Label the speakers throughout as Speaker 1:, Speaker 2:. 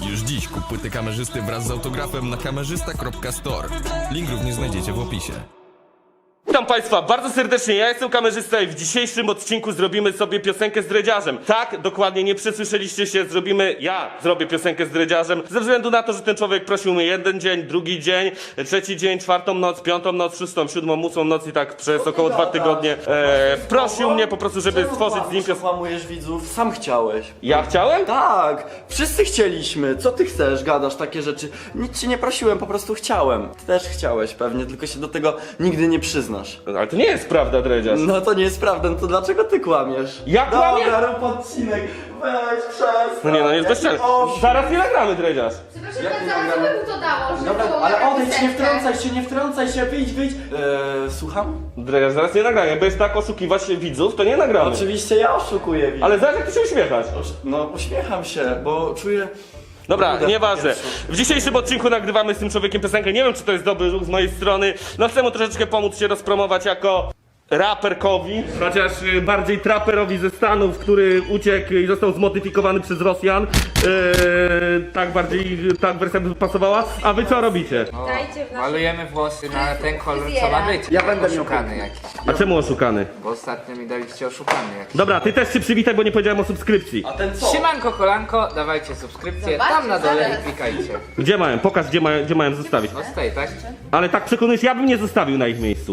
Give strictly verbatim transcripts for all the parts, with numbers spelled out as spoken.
Speaker 1: Już dziś kup płyty kamerzysty wraz z autografem na kamerzysta kropka store. Link również znajdziecie w opisie.
Speaker 2: Witam Państwa bardzo serdecznie, ja jestem kamerzysta i w dzisiejszym odcinku zrobimy sobie piosenkę z dredziarzem. Tak, dokładnie, nie przesłyszeliście się, zrobimy, ja zrobię piosenkę z dredziarzem ze względu na to, że ten człowiek prosił mnie jeden dzień, drugi dzień, trzeci dzień, czwartą noc, piątą noc, szóstą, siódmą, ósmą noc i tak przez około dwa tygodnie e, prosił mnie po prostu, żeby stworzyć z nim piosenkę.
Speaker 3: Kłamujesz widzów, sam chciałeś.
Speaker 2: Ja chciałem?
Speaker 3: Tak, wszyscy chcieliśmy. Co ty chcesz, gadasz takie rzeczy? Nic cię nie prosiłem, po prostu chciałem. Ty też chciałeś pewnie, tylko się do tego nigdy nie przyznasz.
Speaker 2: Ale to nie jest prawda, dredziarz.
Speaker 3: No to nie jest prawda, no to dlaczego ty kłamiesz?
Speaker 2: Ja kłamię?
Speaker 3: Dobra, rób odcinek, weź, przestań.
Speaker 2: No nie, no jest bezczelny. Zaraz nie nagramy, dredziarz.
Speaker 4: Przepraszam,
Speaker 3: Jak
Speaker 4: pan
Speaker 3: nie
Speaker 4: zaraz
Speaker 3: nagramy?
Speaker 4: by mu to dało, że
Speaker 3: Dobra,
Speaker 4: to
Speaker 3: ale
Speaker 4: jakaś
Speaker 3: odejdź, nie
Speaker 4: piosenka.
Speaker 3: wtrącaj się, nie wtrącaj się, wyjdź, wyjdź. Eee, słucham?
Speaker 2: Dredziarz, zaraz nie nagramy, bo jest tak oszukiwać widzów, to nie nagramy.
Speaker 3: Oczywiście ja oszukuję widzów.
Speaker 2: Ale zaraz jak ty się uśmiechasz.
Speaker 3: No uśmiecham się, bo czuję...
Speaker 2: Dobra,
Speaker 3: Kurde,
Speaker 2: nieważne.
Speaker 3: pierwszy.
Speaker 2: W dzisiejszym odcinku nagrywamy z tym człowiekiem piosenkę. Nie wiem, czy to jest dobry ruch z mojej strony. No chcę mu troszeczkę pomóc się rozpromować jako raperkowi, chociaż y, bardziej traperowi ze Stanów, który uciekł i został zmodyfikowany przez Rosjan. Yy, tak bardziej, tak wersja by pasowała. A wy co robicie?
Speaker 4: Dajcie w naszym...
Speaker 5: Malujemy włosy na ten kolor, co ma być.
Speaker 3: Ja będę miał
Speaker 5: oszukany jakiś.
Speaker 2: A czemu oszukany?
Speaker 5: Bo ostatnio mi daliście oszukany jakiś.
Speaker 2: Dobra, ty też się przywitaj, bo nie powiedziałem o subskrypcji.
Speaker 3: A ten co?
Speaker 5: Siemanko, kolanko, dawajcie subskrypcję
Speaker 4: Zobaczcie,
Speaker 5: tam na dole
Speaker 4: zaraz.
Speaker 5: i klikajcie.
Speaker 2: Gdzie mają? Pokaż, gdzie mają, gdzie mają zostawić.
Speaker 5: No stoi, tak?
Speaker 2: Ale tak przekonujesz, ja bym nie zostawił na ich miejscu.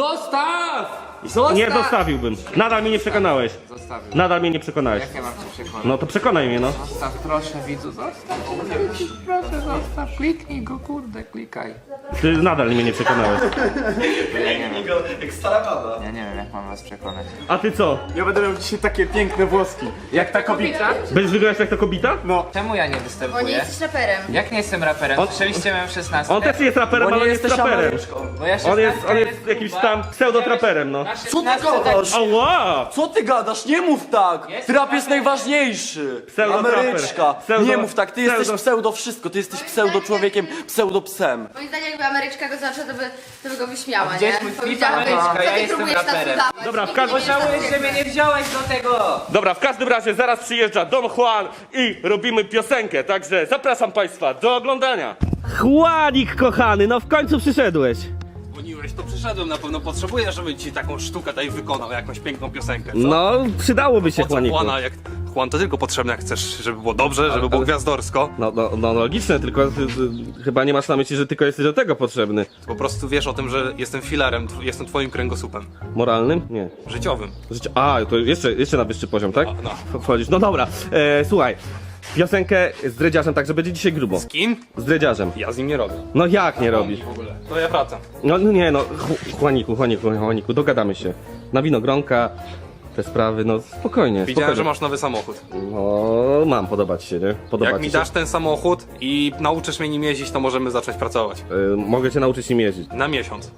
Speaker 5: Zostaw! Zostaw!
Speaker 2: Nie zostawił. Nadal mnie nie przekonałeś.
Speaker 5: Zostawił.
Speaker 2: Nadal mnie nie przekonałeś.
Speaker 5: Jak ja mam cię przekonać?
Speaker 2: No to przekonaj mnie, no.
Speaker 5: Zostaw, proszę widzu, zostaw. Proszę, zostaw, kliknij go, kurde, klikaj.
Speaker 2: Ty nadal mnie nie przekonałeś.
Speaker 5: Ja nie wiem,
Speaker 3: Jak stara baba.
Speaker 5: ja nie wiem jak mam was przekonać.
Speaker 2: A ty co?
Speaker 6: Ja będę miał dzisiaj takie piękne włoski. Jak ta kobieta?
Speaker 2: Będziesz wyglądać jak ta kobita?
Speaker 5: Czemu ja nie
Speaker 4: Bo nie
Speaker 5: występuję?
Speaker 4: jesteś raperem.
Speaker 5: Jak nie jestem raperem?
Speaker 2: On-
Speaker 5: Słyszeliście moją szesnastkę?
Speaker 2: On też nie jest raperem, ale on jest traperem.
Speaker 3: Ameryczką.
Speaker 5: Bo ja
Speaker 2: On jest,
Speaker 5: szesnastkę
Speaker 2: on jest jakimś tam pseudotraperem, no.
Speaker 5: Na
Speaker 3: Co ty
Speaker 5: szesnastce
Speaker 3: gadasz?
Speaker 2: Ała!
Speaker 3: Co ty gadasz? Nie mów tak!
Speaker 5: Jest
Speaker 3: Trap jest
Speaker 5: raper.
Speaker 3: najważniejszy!
Speaker 2: Pseudo-traper.
Speaker 3: Ameryczka!
Speaker 2: Pseudo-
Speaker 3: Nie mów tak, ty
Speaker 2: pseudo-
Speaker 3: jesteś pseudo wszystko, ty jesteś pseudo człowiekiem, pseudo psem.
Speaker 4: Moim zdaniem jakby Ameryczka go zobaczyła, to by, to by go wyśmiała,
Speaker 5: Gdzieś
Speaker 4: nie?
Speaker 5: mój klip
Speaker 4: Powiedziałaby,
Speaker 5: Ameryczka,
Speaker 4: co
Speaker 5: ja
Speaker 4: ty
Speaker 5: jestem
Speaker 4: próbujesz nas
Speaker 5: raperem.
Speaker 4: udawać?
Speaker 2: Dobra, w
Speaker 4: Nikt
Speaker 2: każdym-
Speaker 4: nie wie,
Speaker 5: Żałuję,
Speaker 4: że
Speaker 5: że mnie nie wziąłeś do tego!
Speaker 2: Dobra, w każdym razie zaraz przyjeżdża Don Juan i robimy piosenkę, także zapraszam Państwa do oglądania. Juanik kochany, no w końcu przyszedłeś.
Speaker 6: Dzwoniłeś, to przyszedłem, na pewno potrzebuję, żeby ci taką sztukę tutaj wykonał, jakąś piękną piosenkę, co?
Speaker 2: No, przydałoby się
Speaker 6: Po co Juana, jak Juan to tylko potrzebny, jak chcesz, żeby było dobrze, żeby było gwiazdorsko.
Speaker 2: No, no, no logiczne, tylko ty, ty, chyba nie masz na myśli, że tylko jesteś do tego potrzebny.
Speaker 6: Po prostu wiesz o tym, że jestem filarem, tw- jestem twoim kręgosłupem
Speaker 2: Moralnym? Nie.
Speaker 6: życiowym.
Speaker 2: Życie... A, to jeszcze, jeszcze na wyższy poziom, tak?
Speaker 6: no.
Speaker 2: Wchodzisz. No dobra, e, słuchaj. Piosenkę z dredziarzem, także będzie dzisiaj grubo.
Speaker 6: Z kim?
Speaker 2: Z dredziarzem.
Speaker 6: Ja z nim nie robię.
Speaker 2: No jak nie robisz?
Speaker 6: W ogóle. To ja wracam.
Speaker 2: No, no nie no, Ju- Juaniku, Juaniku, Juaniku, dogadamy się. Na winogronka, te sprawy, no spokojnie,
Speaker 6: Widziałem,
Speaker 2: spokojnie.
Speaker 6: że masz nowy samochód.
Speaker 2: No, mam podobać się, nie? Podoba
Speaker 6: Jak
Speaker 2: ci
Speaker 6: mi
Speaker 2: się.
Speaker 6: dasz ten samochód i nauczysz mnie nim jeździć, to możemy zacząć pracować.
Speaker 2: Y, mogę cię nauczyć nim jeździć.
Speaker 6: Na miesiąc.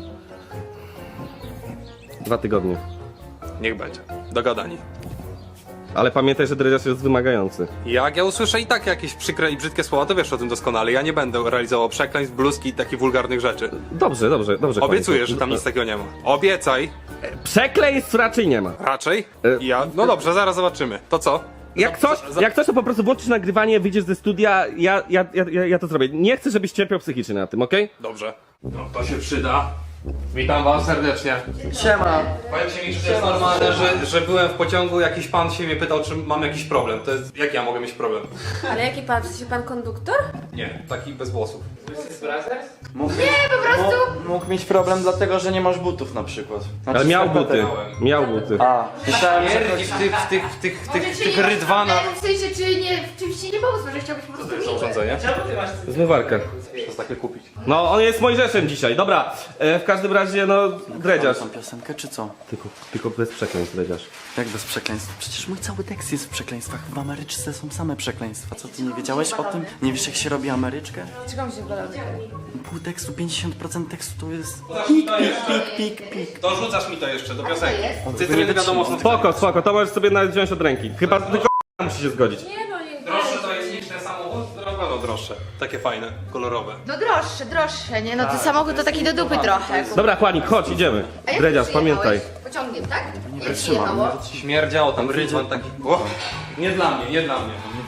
Speaker 2: Dwa tygodnie.
Speaker 6: Niech będzie. Dogadani.
Speaker 2: Ale pamiętaj, że dredziarz jest wymagający.
Speaker 6: Jak ja usłyszę i tak jakieś przykre i brzydkie słowa, to wiesz o tym doskonale. Ja nie będę realizował przekleństw, bluzki i takich wulgarnych rzeczy.
Speaker 2: Dobrze, dobrze, dobrze.
Speaker 6: Obiecuję,
Speaker 2: Juaniku.
Speaker 6: że tam nic takiego nie ma. Obiecaj,
Speaker 2: Przekleństw raczej nie ma.
Speaker 6: raczej.
Speaker 2: E,
Speaker 6: Ja. No dobrze, zaraz zobaczymy. To co?
Speaker 2: Jak
Speaker 6: Za-
Speaker 2: coś,
Speaker 6: za-
Speaker 2: jak coś, to po prostu włączysz nagrywanie, wyjdziesz ze studia, ja, ja, ja, ja, ja to zrobię. Nie chcę, żebyś cierpiał psychicznie na tym, okej?
Speaker 6: Dobrze. No, to się przyda. Witam was serdecznie.
Speaker 3: Siema.
Speaker 6: Powiedzcie mi, czy to jest normalne, że, że byłem w pociągu, jakiś pan się mnie pytał, czy mam jakiś problem. To jest, jak ja mogę mieć problem?
Speaker 4: Ale jaki pan, czy pan konduktor?
Speaker 6: Nie, taki bez włosów.
Speaker 5: Brothers?
Speaker 3: Mógł,
Speaker 4: Nie, po prostu...
Speaker 3: mógł, mógł mieć problem dlatego, że nie masz butów na przykład. Znaczy,
Speaker 2: Ale miał
Speaker 3: skarpetek.
Speaker 2: buty, miał buty.
Speaker 3: A, myślałem, że...
Speaker 6: Pierdzi w tych, w tych, w tych, w
Speaker 4: Może
Speaker 6: tych, w
Speaker 4: czy
Speaker 6: tych
Speaker 4: nie
Speaker 6: rydwanach.
Speaker 4: W sensie, czy nie, w czymś ci nie pomóc, może chciałbyś po prostu mieć.
Speaker 6: Urządzenie?
Speaker 2: Zmywarkę.
Speaker 6: Przez takie kupić.
Speaker 2: No, on jest Mojżeszem dzisiaj, dobra. E, w każdym razie, no, dredziarz.
Speaker 3: Tą piosenkę, czy co?
Speaker 2: Tylko, tylko bez przekleństw, dredziarz.
Speaker 3: Jak bez przekleństw? Przecież mój cały tekst jest w przekleństwach. W Ameryczce są same przekleństwa. Co, ty nie wiedziałeś o tym? Nie wiesz, jak się robi Ameryczkę?
Speaker 4: Czego mi się podoba?
Speaker 3: Pół tekstu, pięćdziesiąt procent tekstu to jest... Pik, pik, pik, pik, pik.
Speaker 6: To rzucasz mi to jeszcze do
Speaker 4: Co
Speaker 6: piosenki.
Speaker 4: jest?
Speaker 6: Cytryny nie wiadomo, co
Speaker 2: Spoko, spoko, to możesz sobie nawet wziąć od ręki. Chyba tylko musi się zgodzić.
Speaker 4: Nie no, nie.
Speaker 6: Droższe to jest niż ten samochód? Na pewno droższe. Takie fajne, kolorowe.
Speaker 4: No droższe, droższe, nie? No to samochód to taki do dupy trochę.
Speaker 2: Dobra, Juanik, chodź, idziemy.
Speaker 4: A jak
Speaker 2: Dredziarz,
Speaker 4: ty
Speaker 2: pamiętaj.
Speaker 4: przyjechałeś? Pociągiem, tak? Nie
Speaker 3: wytrzymam,
Speaker 4: przyjechało.
Speaker 6: Śmierdziało tam rydwan taki. O, nie dla mnie, nie dla mnie.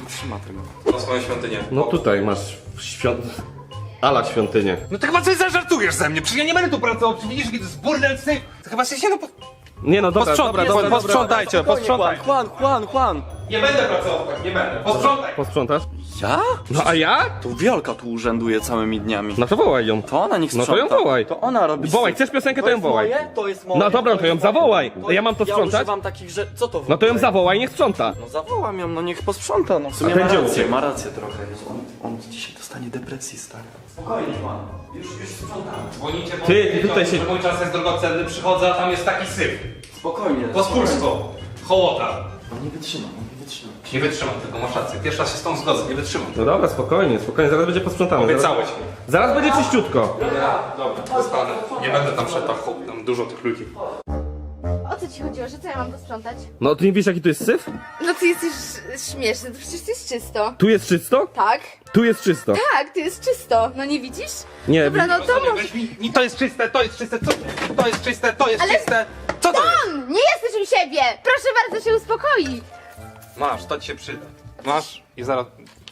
Speaker 3: wytrzyma tego.
Speaker 6: Na swoją świątynię.
Speaker 2: No tutaj masz świąt... Ala świątynię.
Speaker 6: No to chyba coś zażartujesz ze mnie, przecież ja nie będę tu pracował, przecież widzisz, jaki to jest burdel syf. To chyba się no... Po...
Speaker 2: Nie no, dobra,
Speaker 6: Posprząt-
Speaker 2: dobra,
Speaker 6: po-
Speaker 2: dobra, dobra.
Speaker 6: posprzątajcie, posprzątaj.
Speaker 3: Juan, Juan, Juan!
Speaker 6: Nie będę pracował tak, nie będę. Posprzątaj.
Speaker 2: Posprzątasz?
Speaker 3: Ja?
Speaker 2: No a ja?
Speaker 3: Tu Wiolka tu urzęduje całymi dniami.
Speaker 2: No to wołaj ją.
Speaker 3: To ona niech
Speaker 2: No
Speaker 3: sprząta.
Speaker 2: to ją wołaj.
Speaker 3: To ona robi...
Speaker 2: Wołaj,
Speaker 3: syf.
Speaker 2: chcesz piosenkę, to
Speaker 3: To
Speaker 2: ją
Speaker 3: jest
Speaker 2: wołaj.
Speaker 3: moje, to jest moje.
Speaker 2: No dobra, to ją
Speaker 3: jest
Speaker 2: zawołaj.
Speaker 3: moje.
Speaker 2: Ja mam to
Speaker 3: Ja
Speaker 2: sprzątać?
Speaker 3: używam takich rzeczy... Co to w
Speaker 2: No to ją
Speaker 3: ogóle?
Speaker 2: zawołaj, niech sprząta.
Speaker 3: No zawołam ją, no niech posprząta, no w sumie
Speaker 2: A ten
Speaker 3: ma
Speaker 2: gdzie
Speaker 3: rację,
Speaker 2: uciekł?
Speaker 3: ma rację trochę. Jezu, on, on dzisiaj dostanie depresji, stary. Spokojnie, Juan. Już, już sprzątam.
Speaker 6: Dzwonicie, bo
Speaker 2: Ty, ty tutaj się-
Speaker 6: że mój czas jest drogocenny, przychodzę, a tam jest taki syf.
Speaker 3: Spokojnie.
Speaker 6: Pospólstwo. Hołota.
Speaker 3: On nie wytrzyma, on nie wytrzyma.
Speaker 6: Nie wytrzymam tego, masz rację. Pierwszy raz się z tą zgodzę, nie wytrzymam.
Speaker 2: No dobra, spokojnie, spokojnie, zaraz będzie posprzątane.
Speaker 6: Obiecałeś mi.
Speaker 2: Zaraz, zaraz będzie czyściutko.
Speaker 6: Dobra, zostanę. Nie będę tam szedł, tam- tam dużo tych ludzi.
Speaker 4: O co ci chodziło, że co ja mam posprzątać?
Speaker 2: No ty nie wiesz jaki tu jest syf?
Speaker 4: No ty jesteś sz- śmieszny, to przecież to jest czysto.
Speaker 2: Tu jest czysto?
Speaker 4: Tak?
Speaker 2: Tu jest czysto.
Speaker 4: Tak, to jest czysto. No nie widzisz?
Speaker 2: Nie,
Speaker 4: Dobra, no to może...
Speaker 6: Weź mi, mi, to jest czyste, to jest czyste, co? To jest czyste, to jest
Speaker 4: Ale-
Speaker 6: czyste. Co to jest?
Speaker 4: On! Nie jesteś u siebie! Proszę bardzo się uspokoić!
Speaker 6: Masz, to ci się przyda. Masz i zaraz...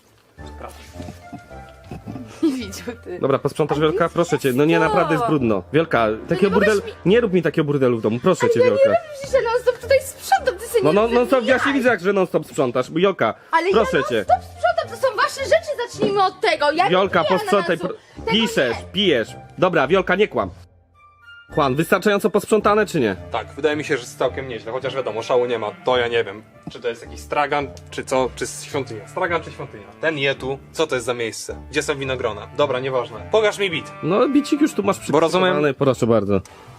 Speaker 4: Nie widział ty.
Speaker 2: Dobra, posprzątasz Wielka? Proszę cię, no nie, naprawdę jest brudno. Wielka, takiego
Speaker 4: nie
Speaker 2: burdelu...
Speaker 4: możesz
Speaker 2: Nie rób mi takiego burdelu w domu, proszę cię
Speaker 4: Ja nie
Speaker 2: Wielka.
Speaker 4: robię przecież, że non stop tutaj sprzątam, ty sobie
Speaker 2: No,
Speaker 4: nie
Speaker 2: no, no to ja
Speaker 4: wybijaj.
Speaker 2: się widzę, jak że non stop sprzątasz. Wiolka,
Speaker 4: Ale
Speaker 2: proszę
Speaker 4: ja
Speaker 2: cię.
Speaker 4: non stop sprzątam, to są wasze rzeczy, zacznijmy od tego. Ja
Speaker 2: Wiolka,
Speaker 4: nie piję
Speaker 2: posprzątaj,
Speaker 4: ananasu.
Speaker 2: pro...
Speaker 4: Tego
Speaker 2: piszesz,
Speaker 4: nie.
Speaker 2: pijesz. Dobra, Wiolka, nie kłam. Juan, wystarczająco posprzątane czy nie?
Speaker 6: Tak, wydaje mi się, że jest całkiem nieźle, chociaż wiadomo, szału nie ma, to ja nie wiem. Czy to jest jakiś stragan, czy co, czy świątynia. Stragan czy świątynia? Ten je tu, co to jest za miejsce? Gdzie są winogrona? Dobra, nieważne. Pokaż mi bit.
Speaker 2: No, bicik już tu masz przygotowany,
Speaker 6: rozumiem-
Speaker 2: proszę bardzo.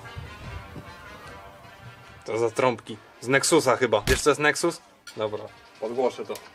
Speaker 6: To za trąbki. Z Nexusa chyba. Wiesz co jest Nexus? Dobra, podgłoszę to.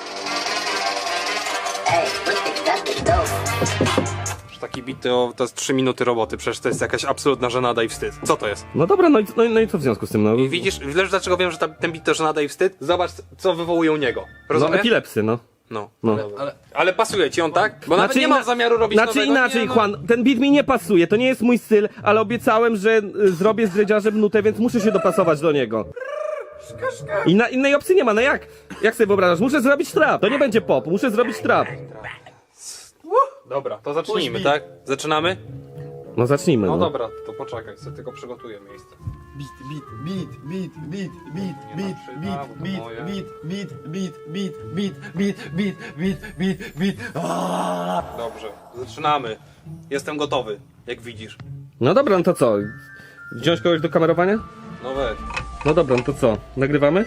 Speaker 6: Że taki bit to, to jest trzy minuty roboty, przecież to jest jakaś absolutna żenada i wstyd. Co to jest?
Speaker 2: No dobra, no i, no, i- no i co w związku z tym? No,
Speaker 6: I widzisz, wiesz dlaczego wiem, że ta, ten bit to żenada i wstyd? Zobacz, co wywołuje u niego.
Speaker 2: no
Speaker 6: Rozumiesz?
Speaker 2: epilepsy, no.
Speaker 6: No.
Speaker 2: No.
Speaker 6: Ale, ale pasuje ci on, tak? Bo nawet nie mam
Speaker 2: ina-
Speaker 6: zamiaru robić
Speaker 2: Znaczy
Speaker 6: nowego.
Speaker 2: inaczej,
Speaker 6: nie, no.
Speaker 2: Juan, ten beat mi nie pasuje, to nie jest mój styl, ale obiecałem, że y, zrobię z dredziarzem nutę, więc muszę się dopasować do niego. I na innej opcji nie ma, no jak? Jak sobie wyobrażasz? Muszę zrobić trap, to nie będzie pop, muszę zrobić trap.
Speaker 6: Dobra, to zacznijmy, tak? Zaczynamy?
Speaker 2: No zacznijmy,
Speaker 6: No
Speaker 2: no.
Speaker 6: dobra, to poczekaj, sobie tylko przygotuję miejsce.
Speaker 3: Beat, beat, beat, beat, beat, beat,
Speaker 6: Nie
Speaker 3: beat,
Speaker 6: ma
Speaker 3: beat,
Speaker 6: przyda, bo to
Speaker 3: beat,
Speaker 6: moje.
Speaker 3: beat, beat, beat, beat, beat, beat, beat, beat, beat, beat, beat.
Speaker 6: Dobrze, zaczynamy. Jestem gotowy, jak widzisz.
Speaker 2: No dobra, no to co? Wziąć kogoś do kamerowania?
Speaker 6: No weź.
Speaker 2: No dobra, no to co? Nagrywamy?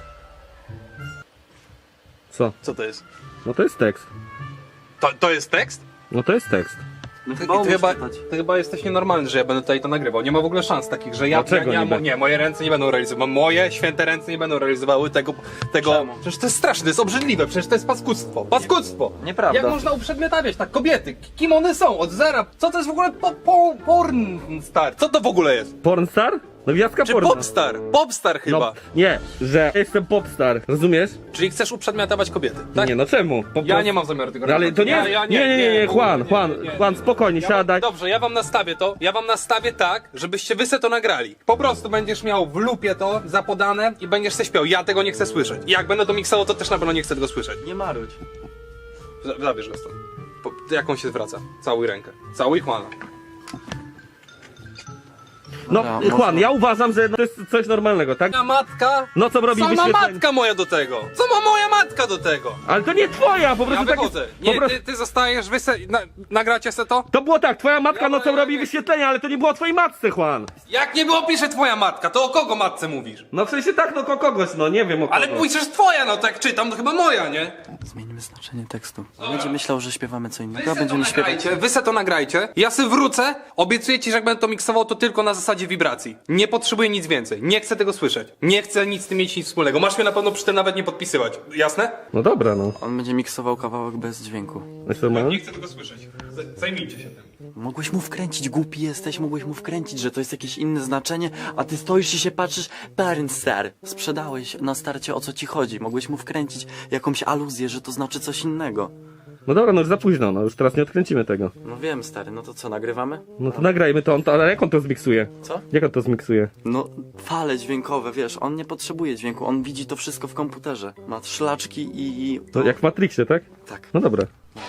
Speaker 2: Co?
Speaker 6: Co to jest?
Speaker 2: No to jest tekst.
Speaker 6: To, to jest tekst?
Speaker 2: No to jest tekst.
Speaker 3: No
Speaker 6: Ty,
Speaker 3: chyba
Speaker 6: ty,
Speaker 3: umiesz
Speaker 6: chyba,
Speaker 3: czytać.
Speaker 6: ty chyba jesteś nienormalny, że ja będę tutaj to nagrywał. Nie ma w ogóle szans takich, że ja,
Speaker 2: Dlaczego
Speaker 6: ja, ja
Speaker 2: niby?
Speaker 6: nie, moje ręce nie będą realizowały. Moje święte ręce nie będą realizowały tego. tego
Speaker 3: Czemu?
Speaker 6: Przecież to jest straszne, to jest obrzydliwe, przecież to jest paskudztwo. Paskudztwo!
Speaker 3: Nieprawda.
Speaker 6: Jak można uprzedmiotawiać tak kobiety? Kim one są? Od zera. Co to jest w ogóle po, po, porn star? Co to w ogóle jest?
Speaker 2: Pornstar? No gwiazdka
Speaker 6: Czy
Speaker 2: porno.
Speaker 6: popstar? Popstar chyba.
Speaker 2: No, nie, że jestem popstar, rozumiesz?
Speaker 6: Czyli chcesz uprzedmiotować kobiety, tak?
Speaker 2: Nie, no czemu? Po
Speaker 6: Ja
Speaker 2: prostu-
Speaker 6: nie mam zamiaru tego
Speaker 2: No ale
Speaker 6: robić.
Speaker 2: to nie
Speaker 6: ja,
Speaker 2: jest-
Speaker 6: ja,
Speaker 2: nie, nie, nie, nie,
Speaker 6: w ogóle
Speaker 2: Juan, Juan, Juan, spokojnie,
Speaker 6: ja
Speaker 2: siadaj.
Speaker 6: Wam, dobrze, ja wam nastawię to, ja wam nastawię tak, żebyście wy se to nagrali. Po prostu będziesz miał w lupie to zapodane i będziesz se śpiał. Ja tego nie chcę słyszeć. I jak będę to miksował, to też na pewno nie chcę tego słyszeć.
Speaker 3: Nie marudź.
Speaker 6: Z- Zabierz go stąd. Po, jak on się zwraca? Całuj rękę. Całuj Juana.
Speaker 2: No,
Speaker 3: Dobra,
Speaker 2: Juan,
Speaker 3: można.
Speaker 2: ja uważam, że to jest coś normalnego, tak?
Speaker 6: Moja matka?
Speaker 2: No co robi
Speaker 6: Co ma
Speaker 2: wyświetlenie?
Speaker 6: matka moja do tego? Co ma moja matka do tego?
Speaker 2: Ale to nie twoja, po
Speaker 6: Ja
Speaker 2: prostu tak
Speaker 6: wychodzę.
Speaker 2: jest, po
Speaker 6: Nie,
Speaker 2: prostu...
Speaker 6: ty, ty zostajesz, wy se, na, nagracie se to?
Speaker 2: To było tak, twoja matka
Speaker 6: Ja-
Speaker 2: nocą
Speaker 6: ja-
Speaker 2: robi
Speaker 6: ja-
Speaker 2: wyświetlenia, ale to nie było o twojej matce, Juan.
Speaker 6: Jak nie było pisze twoja matka, to o kogo matce mówisz?
Speaker 2: No w sensie tak, no ko kogoś, no nie wiem o kogo.
Speaker 6: Ale piszesz twoja, no tak czytam, to chyba moja, nie?
Speaker 3: Zmienimy znaczenie tekstu. Będzie myślał, że śpiewamy co
Speaker 6: Wy
Speaker 3: innego,
Speaker 6: se
Speaker 3: a
Speaker 6: to
Speaker 3: będziemy śpiewać.
Speaker 6: nagrajcie, wy se to nagrajcie, ja se wrócę, obiecuję ci, że jak będę to miksował, to tylko na zasadzie wibracji. Nie potrzebuję nic więcej, nie chcę tego słyszeć. Nie chcę nic z tym mieć nic wspólnego. Masz mnie na pewno przy tym nawet nie podpisywać, jasne?
Speaker 2: No dobra, no.
Speaker 3: On będzie miksował kawałek bez dźwięku.
Speaker 2: Jest normalne?
Speaker 6: Nie chcę tego słyszeć. Z- Zajmijcie się tym.
Speaker 3: Mogłeś mu wkręcić, głupi jesteś, mogłeś mu wkręcić, że to jest jakieś inne znaczenie, a ty stoisz i się patrzysz, Bernstar. Sprzedałeś na starcie, o co ci chodzi. Mogłeś mu wkręcić jakąś aluzję, że to znaczy coś innego.
Speaker 2: No dobra, no już za późno, no już teraz nie odkręcimy tego.
Speaker 3: No wiem, stary, no to co, nagrywamy?
Speaker 2: No to nagrajmy to, on to, ale jak on to zmiksuje?
Speaker 3: Co?
Speaker 2: Jak on to zmiksuje?
Speaker 3: No, fale dźwiękowe, wiesz, on nie potrzebuje dźwięku, on widzi to wszystko w komputerze. Ma szlaczki i...
Speaker 2: To jak w Matrixie, tak?
Speaker 3: Tak.
Speaker 2: No dobra.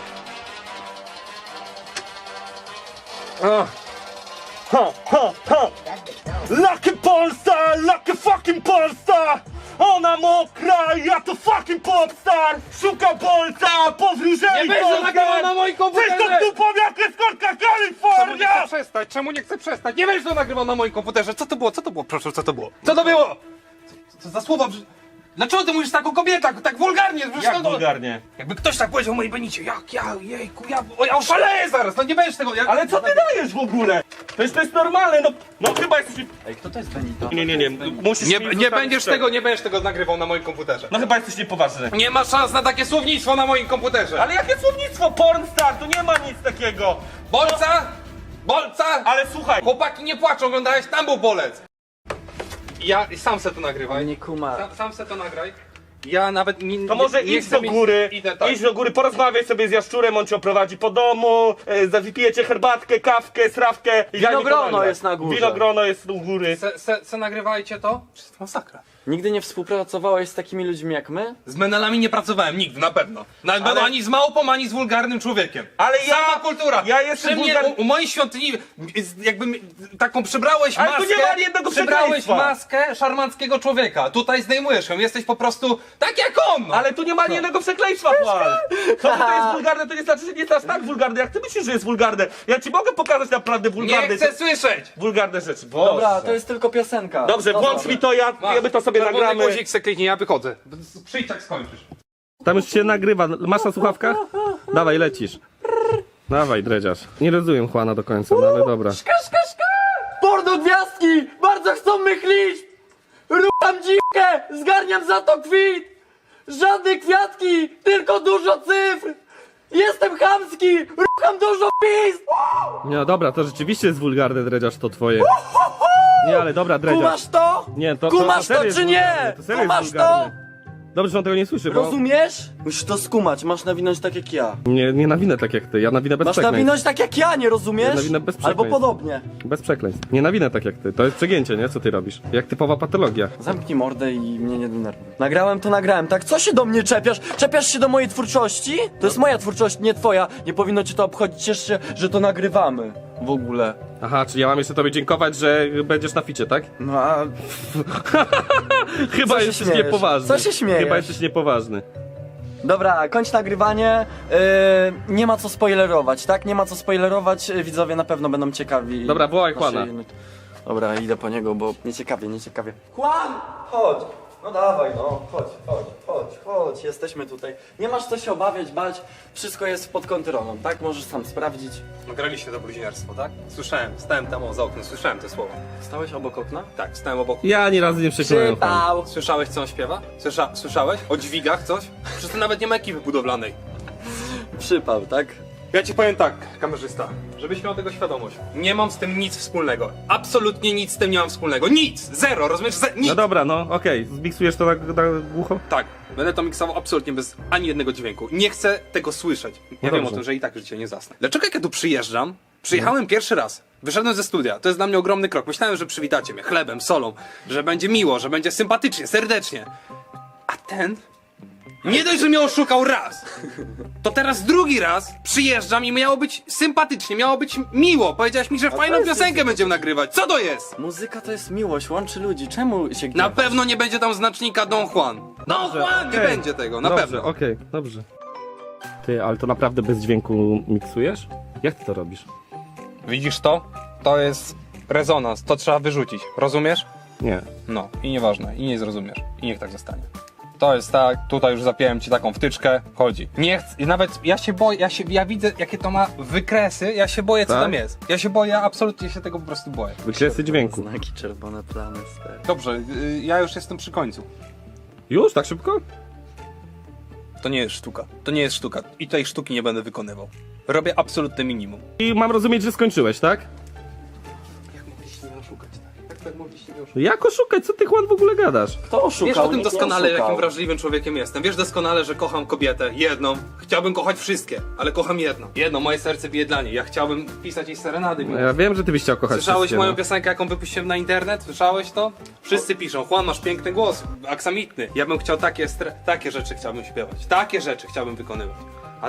Speaker 2: Ha, ha, ha! Lucky Polstar! Lucky fucking Polstar! Ona mokra, ja to fucking popstar! Szuka bolca, powróżej!
Speaker 6: Nie będzie nagrywał na moim komputerze!
Speaker 2: Czysto tu jak eskortka
Speaker 6: Czemu nie
Speaker 2: Kalifornia!
Speaker 6: chcę przestać? Czemu nie chcę przestać? Nie będziesz to nagrywał na moim komputerze! Co to było? Co to było? Proszę, co to było? Co to było? Co, co za słowa? Brz- Dlaczego ty mówisz tak o kobietach, tak wulgarnie? Przecież
Speaker 2: Jak
Speaker 6: to-
Speaker 2: wulgarnie?
Speaker 6: Jakby ktoś tak powiedział o mojej Benicie, jak ja, jejku, ja, o, ja oszaleję zaraz, no nie będziesz tego... Ja,
Speaker 2: Ale co ty dajesz w ogóle? Przecież to jest normalne, no, no chyba jesteś...
Speaker 3: Ej, kto to jest Benito?
Speaker 2: Nie, nie, nie, musisz
Speaker 6: Nie,
Speaker 2: mi
Speaker 6: nie
Speaker 2: zostawić
Speaker 6: będziesz
Speaker 2: tego.
Speaker 6: tego, nie będziesz tego nagrywał na moim komputerze.
Speaker 2: No chyba jesteś niepoważny.
Speaker 6: Nie ma szans na takie słownictwo na moim komputerze.
Speaker 2: Ale jakie słownictwo? Pornstar, tu nie ma nic takiego.
Speaker 6: Bolca? Bolca?
Speaker 2: Ale słuchaj,
Speaker 6: Chłopaki nie płaczą, oglądałeś, tam był bolec. Ja sam se to nagrywaj.
Speaker 3: Nie kuma.
Speaker 6: Sam, sam se to nagraj. Ja nawet nie,
Speaker 2: to może
Speaker 6: nie, nie
Speaker 2: idź
Speaker 6: chcę
Speaker 2: do
Speaker 6: mieć-
Speaker 2: góry,
Speaker 6: Idę, tak.
Speaker 2: idź do góry, porozmawiaj sobie z Jaszczurem, on cię oprowadzi po domu, e, wypijecie herbatkę, kawkę, srawkę. i daj mi to
Speaker 3: Winogrono
Speaker 2: nagrać.
Speaker 3: jest na górze.
Speaker 2: Winogrono jest u góry.
Speaker 6: Se, se, se nagrywajcie to? Przecież to masakra.
Speaker 3: Nigdy nie współpracowałeś z takimi ludźmi jak my?
Speaker 6: Z menelami nie pracowałem nigdy, na pewno. Nawet
Speaker 2: Ale-
Speaker 6: będę ani z małpą, ani z wulgarnym człowiekiem.
Speaker 2: Ale ja-
Speaker 6: Sama kultura.
Speaker 2: ja jestem
Speaker 6: Przy mnie,
Speaker 2: wulgar-
Speaker 6: u, u mojej świątyni, z- jakby mi- taką przybrałeś
Speaker 2: Ale tu
Speaker 6: maskę.
Speaker 2: nie ma ani jednego
Speaker 6: Przybrałeś
Speaker 2: przekleństwa.
Speaker 6: maskę szarmanckiego człowieka. Tutaj zdejmujesz ją, jesteś po prostu tak jak on. No.
Speaker 2: Ale tu nie ma ani jednego przekleństwa, Juan. To, że to jest wulgarne, to nie znaczy, że nie jest aż tak wulgarne, jak ty myślisz, że jest wulgarne. Ja ci mogę pokazać naprawdę wulgarne,
Speaker 6: Nie chcę słyszeć.
Speaker 2: wulgarne rzeczy. Boże.
Speaker 3: Dobra, to jest tylko piosenka.
Speaker 2: Dobrze,
Speaker 3: No
Speaker 2: włącz
Speaker 3: dobra.
Speaker 2: mi to, ja, ja my to sobie
Speaker 6: Czerwony
Speaker 2: nagramy.
Speaker 6: guzik se kliknij, ja wychodzę. Przyjdź jak skończysz.
Speaker 2: Tam już się nagrywa. Masz na słuchawkach? Dawaj, lecisz. Dawaj, dredziarz. Nie rozumiem Juana do końca, no ale dobra.
Speaker 3: Porno gwiazdki! Bardzo chcą mych liczb! Rucham dziwkę! Zgarniam za to kwit! Żadne kwiatki! Tylko dużo cyfr! Jestem chamski! Rucham dużo pizd!
Speaker 2: Nie, dobra, to rzeczywiście jest wulgarne, dredziarz, to twoje. Nie, ale dobra, dredziarz.
Speaker 3: Kumasz to?
Speaker 2: Nie, to, to,
Speaker 3: Kumasz
Speaker 2: serio
Speaker 3: to
Speaker 2: jest
Speaker 3: czy
Speaker 2: wulgarne,
Speaker 3: nie?
Speaker 2: To serio jest
Speaker 3: Kumasz to?
Speaker 2: wulgarne. Dobrze, że on tego nie słyszy, bo...
Speaker 3: Rozumiesz? Musisz to skumać, masz nawinąć tak jak ja.
Speaker 2: Nie, nie nawinę tak jak ty, ja nawinę bez
Speaker 3: Masz
Speaker 2: przekleństw.
Speaker 3: nawinąć tak jak ja, nie rozumiesz?
Speaker 2: Ja nawinę bez
Speaker 3: Albo
Speaker 2: przekleństw.
Speaker 3: podobnie.
Speaker 2: Bez przekleństw. Nie nawinę tak jak ty, to jest przegięcie, nie? Co ty robisz? Jak typowa patologia.
Speaker 3: Zamknij mordę i mnie nie denerwuj. Nagrałem to nagrałem, tak? Co się do mnie czepiasz? Czepiasz się do mojej twórczości? To jest moja twórczość, nie twoja. Nie powinno cię to obchodzić, ciesz się, że to nagrywamy. W ogóle.
Speaker 2: Aha, czy ja mam jeszcze tobie dziękować, że będziesz na ficie, tak?
Speaker 3: No a...
Speaker 2: Chyba
Speaker 3: Co się
Speaker 2: jesteś
Speaker 3: śmiejesz?
Speaker 2: niepoważny.
Speaker 3: Co się śmiejesz?
Speaker 2: Chyba jesteś niepoważny.
Speaker 3: Dobra, kończ nagrywanie. Yy, nie ma co spoilerować, tak? Nie ma co spoilerować. Yy, Widzowie na pewno będą ciekawi.
Speaker 2: Dobra, wołaj
Speaker 3: naszej-
Speaker 2: Juana.
Speaker 3: Dobra, idę po niego, bo nieciekawie, nieciekawie. Juan! Chodź! No dawaj, no, chodź, chodź, chodź, chodź, jesteśmy tutaj. Nie masz co się obawiać, bać, wszystko jest pod kontrolą, tak? Możesz sam sprawdzić.
Speaker 6: Nagraliście to bluźnierstwo, tak? Słyszałem, stałem tam o, za oknem, słyszałem te słowa.
Speaker 3: Stałeś obok okna?
Speaker 6: Tak, stałem obok.
Speaker 2: Ja ani razu nie przekonałem.
Speaker 3: Przypał!
Speaker 6: Słyszałeś, co on śpiewa? Słysza, słyszałeś? O dźwigach coś? Przecież to nawet nie ma ekipy budowlanej.
Speaker 3: Przypał, tak?
Speaker 6: Ja ci powiem tak, kamerzysta, żebyś miał tego świadomość. Nie mam z tym nic wspólnego. Absolutnie nic z tym nie mam wspólnego. Nic! Zero, rozumiesz? Ze nic!
Speaker 2: No dobra, no okej, zmiksujesz to na, na głucho?
Speaker 6: Tak, będę to miksował absolutnie bez ani jednego dźwięku. Nie chcę tego słyszeć. Ja wiem
Speaker 2: dobrze.
Speaker 6: o tym, że i tak życie nie zasnę. Dlaczego jak ja tu przyjeżdżam? Przyjechałem pierwszy raz. Wyszedłem ze studia. To jest dla mnie ogromny krok. Myślałem, że przywitacie mnie chlebem, solą, że będzie miło, że będzie sympatycznie, serdecznie. A ten nie dość, że mnie oszukał raz, to teraz drugi raz przyjeżdżam i miało być sympatycznie, miało być miło. Powiedziałaś mi, że fajną
Speaker 3: jest
Speaker 6: piosenkę będziemy nagrywać. Co to jest?
Speaker 3: Muzyka to jest miłość, łączy ludzi. Czemu się
Speaker 6: Na
Speaker 3: gniewasz?
Speaker 6: pewno nie będzie tam znacznika Don Juan. Don Juan nie
Speaker 2: okej.
Speaker 6: będzie tego, na
Speaker 2: dobrze,
Speaker 6: pewno.
Speaker 2: okej, dobrze. Ty, ale to naprawdę bez dźwięku miksujesz? Jak ty to robisz?
Speaker 6: Widzisz to? To jest rezonans, to trzeba wyrzucić. Rozumiesz?
Speaker 2: Nie.
Speaker 6: No, i nieważne, i nie zrozumiesz. I niech tak zostanie. To jest tak, tutaj już zapiąłem ci taką wtyczkę, chodzi. Nie chcę, i nawet ja się boję, ja, się, ja widzę jakie to ma wykresy, ja się boję co
Speaker 2: Tak?
Speaker 6: tam jest. Ja się boję, absolutnie się tego po prostu boję.
Speaker 2: Wykresy dźwięku.
Speaker 3: Znaki czerwone plamy, stary.
Speaker 6: Dobrze, y, ja już jestem przy końcu.
Speaker 2: Już? Tak szybko?
Speaker 6: To nie jest sztuka, to nie jest sztuka i tej sztuki nie będę wykonywał. Robię absolutne minimum.
Speaker 2: I mam rozumieć, że skończyłeś, tak?
Speaker 6: Jak mogliście mnie oszukać, tak? Jak tak mogliście mnie oszukać?
Speaker 2: Jak oszukać? Co ty, Juan, w ogóle gadasz?
Speaker 3: Kto oszukał?
Speaker 6: Wiesz o tym
Speaker 3: Nikt nie
Speaker 6: doskonale,
Speaker 3: oszukał.
Speaker 6: jakim wrażliwym człowiekiem jestem. Wiesz doskonale, że kocham kobietę, jedną. Chciałbym kochać wszystkie, ale kocham jedną. Jedno, moje serce bije dla niej. Ja chciałbym pisać jej serenady.
Speaker 2: No ja wiem, że ty byś chciał kochać
Speaker 6: Słyszałeś
Speaker 2: wszystkie,
Speaker 6: moją
Speaker 2: no.
Speaker 6: piosenkę, jaką wypuściłem na internet? Słyszałeś to? Wszyscy piszą, Juan, masz piękny głos, aksamitny. Ja bym chciał takie, stre- takie rzeczy chciałbym śpiewać. Takie rzeczy chciałbym wykonywać. A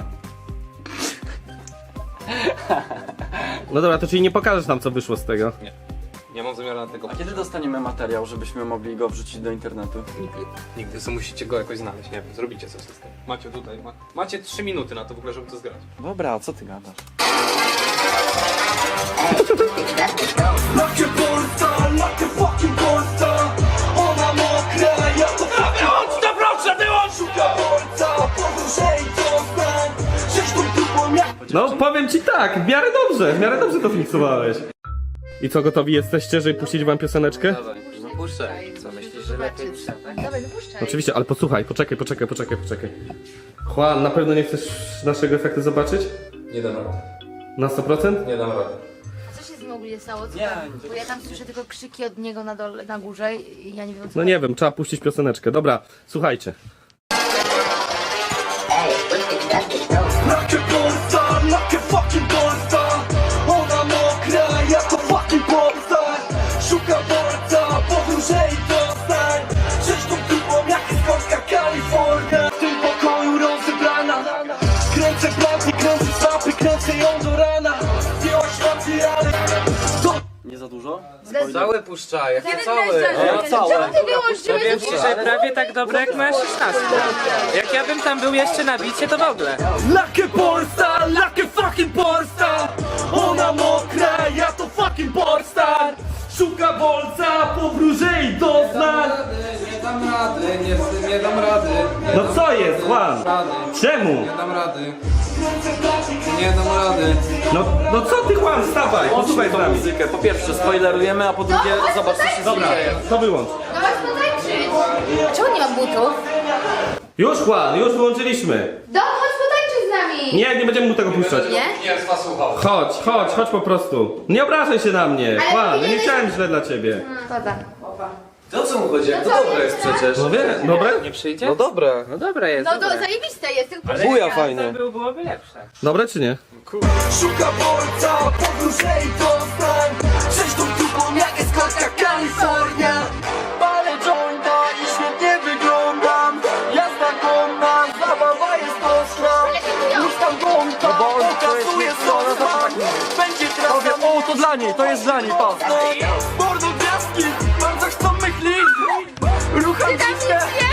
Speaker 2: No dobra, to czyli nie pokażesz nam, co wyszło z tego.
Speaker 6: nie, nie mam zamiaru na tego.
Speaker 3: A kiedy dostaniemy materiał, żebyśmy mogli go wrzucić do internetu?
Speaker 6: Nigdy. Nigdy, co musicie go jakoś znaleźć, nie wiem, zrobicie coś z tym. Macie tutaj, ma, macie trzy minuty na to w ogóle, żeby to zgrać.
Speaker 3: Dobra, a co ty gadasz?
Speaker 7: Lakie Polska, lakie fucking Polska. Ona mokra, ja to wyłącz to proszę, wyłącz! Szuka Polska, podróżej to znam. Sześć tą dupą jak
Speaker 2: No, powiem ci tak, w miarę dobrze, w miarę dobrze to fiksowałeś. I co, gotowi jesteście, żeby puścić wam pioseneczkę?
Speaker 5: Puszczaj. Co myślisz, że lepiej niż tak?
Speaker 4: Dawaj, wypuszczaj.
Speaker 2: Oczywiście, ale posłuchaj, poczekaj, poczekaj, poczekaj, poczekaj. Juan, na pewno nie chcesz naszego efektu zobaczyć?
Speaker 6: Nie dam rady.
Speaker 2: Na sto procent?
Speaker 6: Nie dam rady.
Speaker 4: Co się z nim ogólnie stało? Co
Speaker 3: Nie,
Speaker 4: tam? Bo ja tam słyszę tylko krzyki od niego na dole, na górze i ja nie wiem co.
Speaker 2: No nie wiem, trzeba puścić pioseneczkę. Dobra, słuchajcie.
Speaker 7: Lakie Polska, lakie fucking Polska. Ona mokra, ja to fucking Polska. Szuka Polska, podróżej to znań. Sześć tą dupą jak jest Polska, Kalifornia. W tym pokoju rozebrana. Kręcę planty, kręcę swapy, kręcę ją do rana. Zdjęłaś rację, ale... To...
Speaker 3: Nie za dużo?
Speaker 5: Całe puszczaj, jakie
Speaker 4: Zaraz
Speaker 5: całe?
Speaker 4: weź,
Speaker 3: No, całe.
Speaker 4: Czemu ty wyłączyłeś?
Speaker 8: Powiem ci, że prawie tak dobre jak moja szesnastka. Jak ja bym tam był jeszcze na bicie, to w ogóle.
Speaker 7: Lakie Polska, lakie fucking Polska. Ona mokra, ja to fucking Polstar. Szuka bolca, powróżej doznań.
Speaker 5: Nie dam rady, nie, nie dam rady. Nie
Speaker 2: No
Speaker 5: dam
Speaker 2: co jest, Juan?
Speaker 5: rady.
Speaker 2: Czemu?
Speaker 5: Nie dam rady. Nie dam rady.
Speaker 2: No, no co ty, Juan, wstawaj, posłuchaj z
Speaker 3: tą
Speaker 2: nami.
Speaker 3: muzykę. Po pierwsze spoilerujemy, a po drugie
Speaker 4: No,
Speaker 3: zobacz co się
Speaker 2: Dobra,
Speaker 3: dzieje.
Speaker 2: to wyłącz.
Speaker 4: No masz potańczyć. Czemu nie mam butów?
Speaker 2: Już, Juan, już wyłączyliśmy.
Speaker 4: Dom, chodź potańczyć z nami.
Speaker 2: Nie, nie będziemy mu tego puszczać.
Speaker 4: Nie?
Speaker 5: Nie z was słuchał.
Speaker 2: Chodź, chodź, chodź po prostu. Nie obrażaj się na mnie.
Speaker 4: Ale
Speaker 2: Juan, ja nie
Speaker 4: powinieneś-
Speaker 2: chciałem źle dla ciebie.
Speaker 4: Woda.
Speaker 3: To o co mu chodzi? Jak to
Speaker 4: co,
Speaker 3: dobre jest
Speaker 4: nie?
Speaker 3: przecież.
Speaker 2: No wie, dobre?
Speaker 8: Nie przyjdzie?
Speaker 3: No dobre.
Speaker 8: No dobra jest,
Speaker 4: No to
Speaker 8: dobra.
Speaker 4: zajebiste jest, tylko
Speaker 8: Ale
Speaker 3: Buja
Speaker 8: jak
Speaker 3: fajnie.
Speaker 8: to był, byłoby lepsze.
Speaker 2: Dobre czy nie?
Speaker 7: Szuka bolca, podróżej doznań. Sześć tą dupą jak jest Polska, Kalifornia. Palę jointa i świetnie wyglądam. Jazda konna, zabawa jest ostra. Już tam gąta, pokazuje sosna. Będzie trasa.
Speaker 3: O, to dla niej, to jest dla niej, patrz.
Speaker 7: Mordo gwiazdki, bardzo chcą myślić. Rucham
Speaker 4: Ty tam
Speaker 7: dziwkę.
Speaker 4: nic